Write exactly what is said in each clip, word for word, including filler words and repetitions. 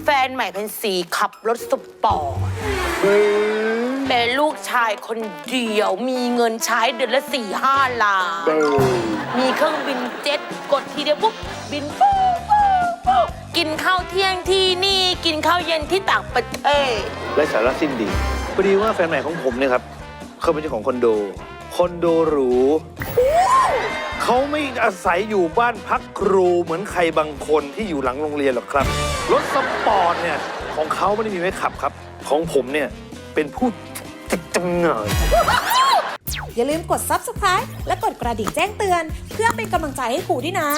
แฟนใหม่เป็นสีขับรถสปอร์ตเป็นลูกชายคนเดียวมีเงินใช้เดือนละสี่ห้าล้านมีเครื่องบินเจ็ตกดทีเดียวปุ๊บบินปุ๊บปุ๊บปุ๊บกินข้าวเที่ยงที่นี่กินข้าวเย็นที่ต่างประเทศและสาระสิ้นดีพอดีว่าแฟนใหม่ของผมเนี่ยครับเขาเป็นเจ้าของคอนโดคอนโดหรูเขาไม่อาศัยอยู่บ้านพักครูเหมือนใครบางคนที่อยู่หลังโรงเรียนหรอกครับรถสปอร์ตเนี่ยของเขาไม่ได้มีไว้ขับครับของผมเนี่ยเป็นผู้จัดจำหน่ายอย่าลืมกด ซับสไครบ์ และกดกระดิ่งแจ้งเตือนเพื่อเป็นกำลังใจให้ครูด้วยนะ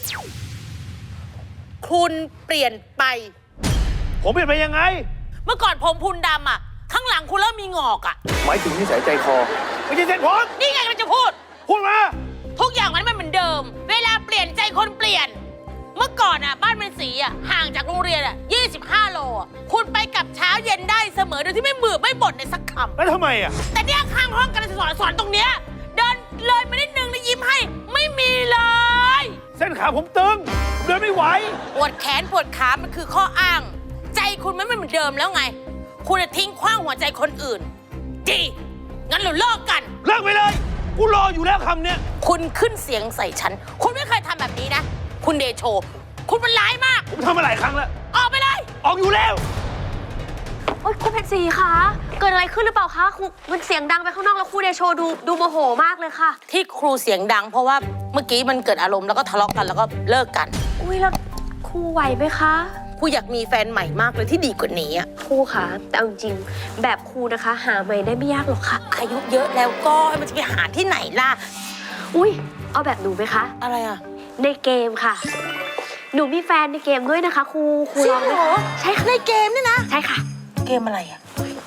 คุณเปลี่ยนไปผมเปลี่ยนไปยังไงเมื่อก่อนผมพุนดำอ่ะข้างหลังคุณเริ่มมีงอกอ่ะหมายถึงนิสัยใจคอไม่ใช่เส้นผมนี่ไงมันจะพูดพูดมาทุกอย่างมันไม่เหมือนเดิมเวลาเปลี่ยนใจคนเปลี่ยนเมื่อก่อนอ่ะบ้านเป็นสีอ่ะห่างจากโรงเรียนอ่ะยี่สิบห้าโลอ่ะคุณไปกับเช้าเย็นได้เสมอโดยที่ไม่มือไม่บ่นในสักคำแล้วทำไมอ่ะแต่เนี่ยข้างห้องการสอนสอนตรงเนี้ยเดินเลยมานิดนึงแล้วยิ้มให้ไม่มีเลยเส้นขาผมตึงเดินไม่ไหวปวดแขนปวดขามันคือข้ออ้างใจคุณไม่เหมือนเดิมแล้วไงคุณจะทิ้งขว้างหัวใจคนอื่นดีงั้นเราเลิกกันเลิกไปเลยกูรออยู่แล้วคำเนี้ยคุณขึ้นเสียงใส่ฉันคุณไม่เคยทำแบบนี้นะคุณเดโชคุณมันร้ายมากผมทำมาหลายครั้งแล้วออกไปเลยออกอยู่แล้วโอ๊ยครูเพชรศรีคะเกิดอะไรขึ้นหรือเปล่าคะครูมันเสียงดังไปข้างนอกแล้วครูเดโชดูดูโมโหมากเลยค่ะที่ครูเสียงดังเพราะว่าเมื่อกี้มันเกิดอารมณ์แล้วก็ทะเลาะกันแล้วก็เลิกกันอุ้ยแล้วครูไหวไหมคะครูอยากมีแฟนใหม่มากเลยที่ดีกว่านี้อ่ะครูคะแต่เอาจริงแบบครูนะคะหาใหม่ได้ไม่ยากหรอกค่ะอายุเยอะแล้วก็มันจะไปหาที่ไหนล่ะอุ้ยเอาแบบหนูไหมคะอะไรอ่ะในเกมค่ะหนูมีแฟนในเกมด้วยนะคะครูครูลองไหมใช่ค่ะในเกมนี่นะใช่ค่ะเกมอะไรอ่ะ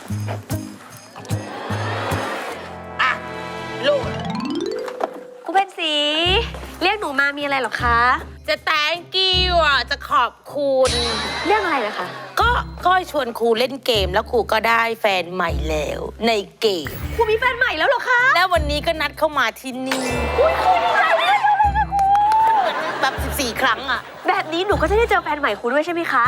อ่ะลูกครูเพชรศรีเรียกหนูมามีอะไรหรอคะจะ thank you อ่ะจะขอบคุณเรื่องอะไรนะคะก็ก็ชวนครูเล่นเกมแล้วครูก็ได้แฟนใหม่แล้วในเกมครูมีแฟนใหม่แล้วเหรอคะแล้ววันนี้ก็นัดเข้ามาที่นี่อุ้ยครูดีใจเลยแบบสิบสี่ครั้งอ่ะแบบนี้หนูก็จะได้เจอแฟนใหม่ครูด้วยใช่ไหมคะ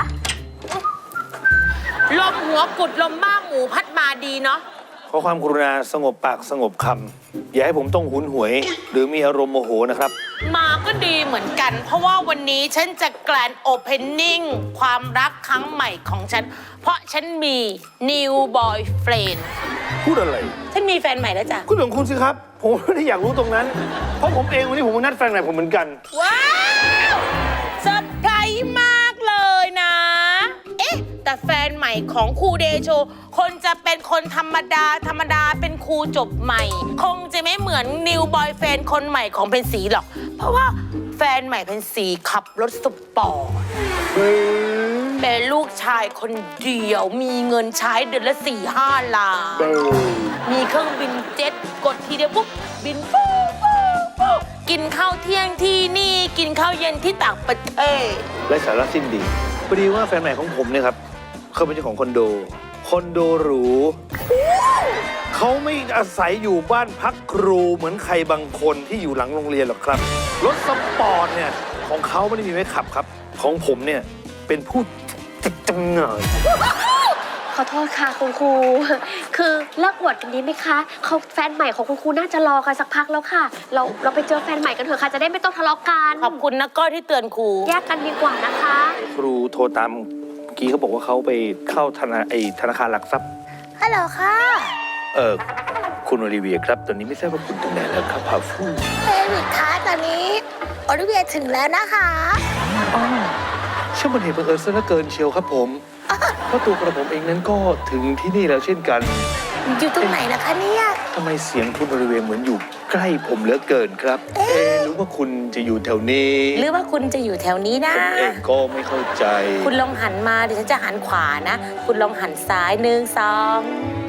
ลมหัวกุดลมบ้าหมูพัดมาดีเนาะขอความกรุณาสงบปากสงบคำอย่าให้ผมต้องหุนหวยหรือมีอารมณ์โมโหนะครับมาก็ดีเหมือนกันเพราะว่าวันนี้ฉันจะแกรนด์โอเพนนิ่งความรักครั้งใหม่ของฉันเพราะฉันมี new boyfriend พูดอะไรฉันมีแฟนใหม่แล้วจ้ะคุณของคุณสิครับผมไม่ได้อยากรู้ตรงนั้นเพราะผมเองวันนี้ผมนัดแฟนใหม่ผมเหมือนกันว้าวเซอร์ไพรส์มากเลยนะเอ๊ะแต่แฟนใหม่ของครูเดโชคนจะเป็นคนธรรมดาธรรมดาเป็นครูจบใหม่คงจะไม่เหมือนนิวบอยแฟนคนใหม่ของเพนสีหรอกเพราะว่าแฟนใหม่เพนสีขับรถสปอร์ตเป็นลูกชายคนเดียวมีเงินใช้เดือนละสี่ห้าล้านมีเครื่องบินเจ็ตกดทีเดียวปุ๊บบินปุ๊บปุ๊บปุ๊บกินข้าวเที่ยงที่นี่กินข้าวเย็นที่ต่างประเทศและสาระสิ้นดีพอดีว่าแฟนใหม่ของผมเนี่ยครับเขาเป็นเจ้าของคอนโดคอนโดหรูเขาไม่อาศัยอยู่บ้านพักครูเหมือนใครบางคนที่อยู่หลังโรงเรียนหรอกครับรถสปอร์ตเนี่ยของเขาไม่ได้มีไว้ขับครับของผมเนี่ยเป็นผู้จัดจำหน่ายขอโทษค่ะคุณครูคือเลิกอวดกันดีไหมคะเขาแฟนใหม่ของคุณครูน่าจะรอกันสักพักแล้วค่ะเราเราไปเจอแฟนใหม่กันเถอะค่ะจะได้ไม่ต้องทะเลาะกันขอบคุณนะก้อยที่เตือนครูแยกกันดีกว่านะคะครูโทรตามเมื่อกี้เขาบอกว่าเขาไปเข้าธนาไอธนาคารหลักทรัพย์ฮัลโหลค่ะเออคุณโอลิเวียครับตอนนี้ไม่ทราบว่าคุณถึงไหนแล้วครับพาฟูเอริกคะตอนนี้โอลิเวียถึงแล้วนะคะอ๋อช่างเป็นเหตุบังเอิญซะเหลือเกินเชียวครับผมเพราะตัวกระผมเองนั้นก็ถึงที่นี่แล้วเช่นกันอยู่ตรงไหนนะคะเนี่ยทำไมเสียงคุณบริเวณเหมือนอยู่ใกล้ผมเหลือเกินครับเอ๊ะหรือว่าคุณจะอยู่แถวนี้หรือว่าคุณจะอยู่แถวนี้นะผมเองก็ไม่เข้าใจคุณลองหันมาเดี๋ยวฉันจะหันขวานะคุณลองหันซ้ายหนึ่งสอง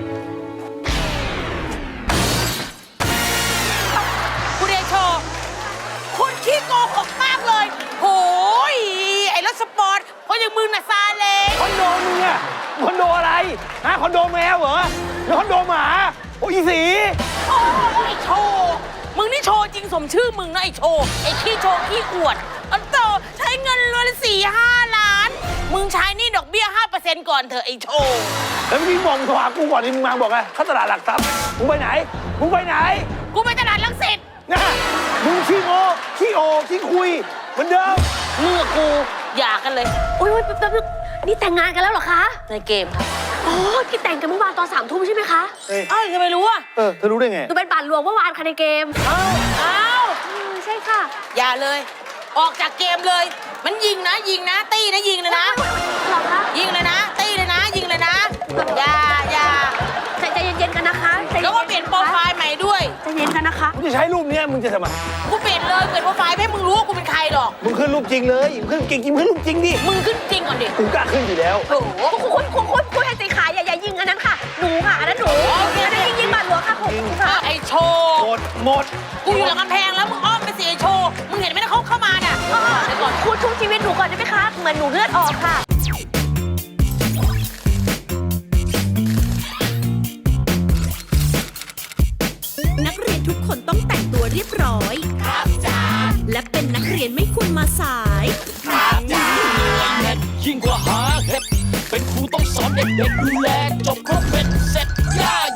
คุณเดโชคุณขี้โกหกมากเลยโหยไอ้รถสปอร์ตเพราะอย่างมึงน่ะซาเล้งคอนโดมึงอะคอนโดอะไรฮะคอนโดแมวเหรอหรือคอนโดหมาโอ้ยสีโอ้ยโชว์มึงนี่โชว์จริงสมชื่อมึงนะไอ้โชว์ไอ้ขี้โชว์ขี้อวดอันโตใช้เงินรวมสี่ห้าล้านมึงใช้นี่ดอกเบี้ยเซ็นก่อนเถอะไอ้โชว์แล้วเมื่อกี้มองโทรหากูก่อนที่มึงมาบอกไงเข้าตลาดหลักทรัพย์มึงไปไหนมึงไปไหนกูไปตลาดลังสิตนะมึงขี้โง่ขี้โอขี้คุยเหมือนเดิมเมื่อกูหย่ากันเลยอุ้ยแป๊บนึงนี่แต่งงานกันแล้วเหรอคะในเกมค่ะอ๋อที่แต่งกันเมื่อวานตอนสามทุ่มใช่ไหมคะเอ้ยเอ้าวทำไมรู้อ่ะเออเธอรู้ได้ไงหนูเป็นบัตรหลวงเมื่อวานค่ะในเกมเอ้าเอ้าอืมใช่ค่ะอย่าเลย ออกจากเกมเลย มันยิงนะยิงนะ ตีนะยิงเลยนะหรอคะยิงเลยนะ ตีเลยนะ ยิงเลยนะ อย่าอย่าใจใจเย็นๆกันนะคะใจย็แล้วก็เปลี่ยนโปรไฟล์ใหม่ด้วยใจเย็นกันนะคะมึงจะใช้รูปเนี้ยมึงจะทำไมกูเปลี่ยนเลยเปลี่ยนโปรไฟล์ไม่ให้มึงรู้ว่ากูเป็นใครหรอกมึงขึ้นรูปจริงเลยมึงขึ้นจริงจริงมึงขึ้นรูปจริงดิมึงขึ้นจริงก่อนดิกูกล้าขึ้นอยู่แล้วโอ้โหคุณคุณคุณคุณให้สีขายอย่าอย่ายิงอันนั้นค่ะ หนูค่ะอันนั้นหนูโอเคอันนั้นยิงยิงบัตรหลวงค่ะคุณค่ะไอโชว์หมดหมดกูอยู่หลังกำแพงแล้วมึงอ้อมไปสิไอโชว์ มึงเห็นไหมนะเขาเข้ามาน่ะเออเดี๋ยวก่อนคุณช่วยชีวิตหนูก่อนได้ไหมคะ เหมือนหนูเลือดออกค่ะนักเรียนทุกคนต้องแต่งตัวเรียบร้อย ครับจ้าและเป็นนักเรียนไม่ควรมาสายยิ่งกว่าหาเห็ดเป็นครูต้องสอนเด็กๆดูแลจบครบเป็นเสร็จย่า